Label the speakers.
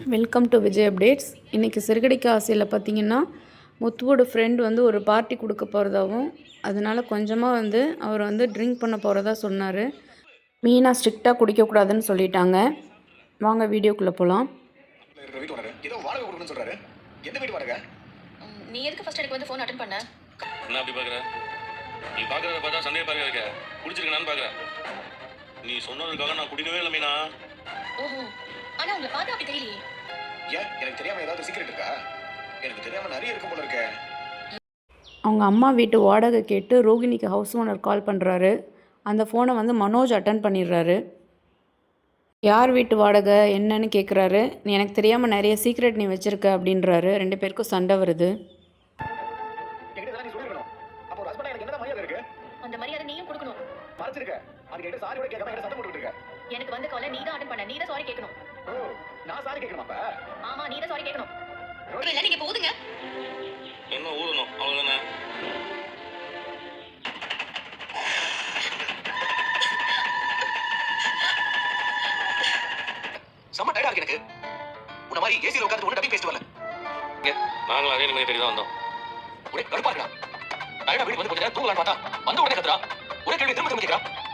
Speaker 1: Welcome to Vijay updates. இன்றைக்கி சிறுகடிக்க ஆசையில் பார்த்திங்கன்னா முத்துவோட ஃப்ரெண்ட் வந்து ஒரு பார்ட்டி கொடுக்க போகிறதாவும் அதனால் கொஞ்சமாக வந்து அவர் வந்து ட்ரிங்க் பண்ண போகிறதா சொன்னார். மீனா ஸ்ட்ரிக்டாக குடிக்கக்கூடாதுன்னு சொல்லிட்டாங்க. வாங்க வீடியோக்குள்ளே போகலாம்.
Speaker 2: நீ எதுக்கு ஃபர்ஸ்ட் எனக்கு வந்து ஃபோன் அட்டெண்ட் பண்ண?
Speaker 3: என்ன அப்படி பார்க்குற? நீ பார்க்குறத பார்த்தா சந்தேகப்பாக இருக்க. குடிச்சிருக்கேனான்னு பார்க்குறேன். நீ சொன்னதுக்காக நான் குடிக்கவே இல்லை மீனா.
Speaker 2: ஓஹோ, ஆனா உங்களை பார்த்தா அப்படி தெரியலையே.
Speaker 4: ஏன் எனக்கு தெரியாம ஏதாவது சீக்ரெட் இருக்கா? எனக்கு தெரியாம நிறைய இருக்கும் போல இருக்கே.
Speaker 1: அவங்க அம்மா வீட்டு வாடகை கேட்டு ரோகிணிக்கு ஹவுஸ் ஓனர் கால் பண்ணுறாரு. அந்த ஃபோனை வந்து மனோஜ் அட்டன் பண்ணிடுறாரு. யார் வீட்டு வாடகை என்னன்னு கேட்குறாரு. நீ எனக்கு தெரியாமல் நிறைய சீக்ரெட் நீ வச்சுருக்க அப்படின்றாரு. 2 பேருக்கும் சண்டை வருது.
Speaker 2: அந்த மரியாதை நீயும் கொடுக்கணும். எனக்கு வந்து காலை நீ தான் அட்டெண்ட் பண்ண. நீ தான் சாரி கேட்கணும்.
Speaker 4: நான் சாரி கேட்கணுமா? அப்ப
Speaker 2: ஆமா, நீ தான் சாரி கேட்கணும். இல்ல நீங்க போதுங்க.
Speaker 3: என்ன ஊறணும் அவ்வளோதானே?
Speaker 4: செம்ம டயர்டா இருக்கு எனக்கு. உன்ன மாதிரி ஏசில உட்கார்ந்து ஒண்ணு டப்பி பேசிட்டு வரல.
Speaker 3: நாங்களும் அதே நிலைமை தேடி தான் வந்தோம்.
Speaker 4: ஒரே கடுப்பா இருக்கா. டயர்டா வீட்டுக்கு வந்து கொஞ்ச நேரம் தூங்கலாம்னு பார்த்தா வந்த உடனே கத்துறா. ஒரே கேள்வி திரும்ப திரும்ப கேட்கறா.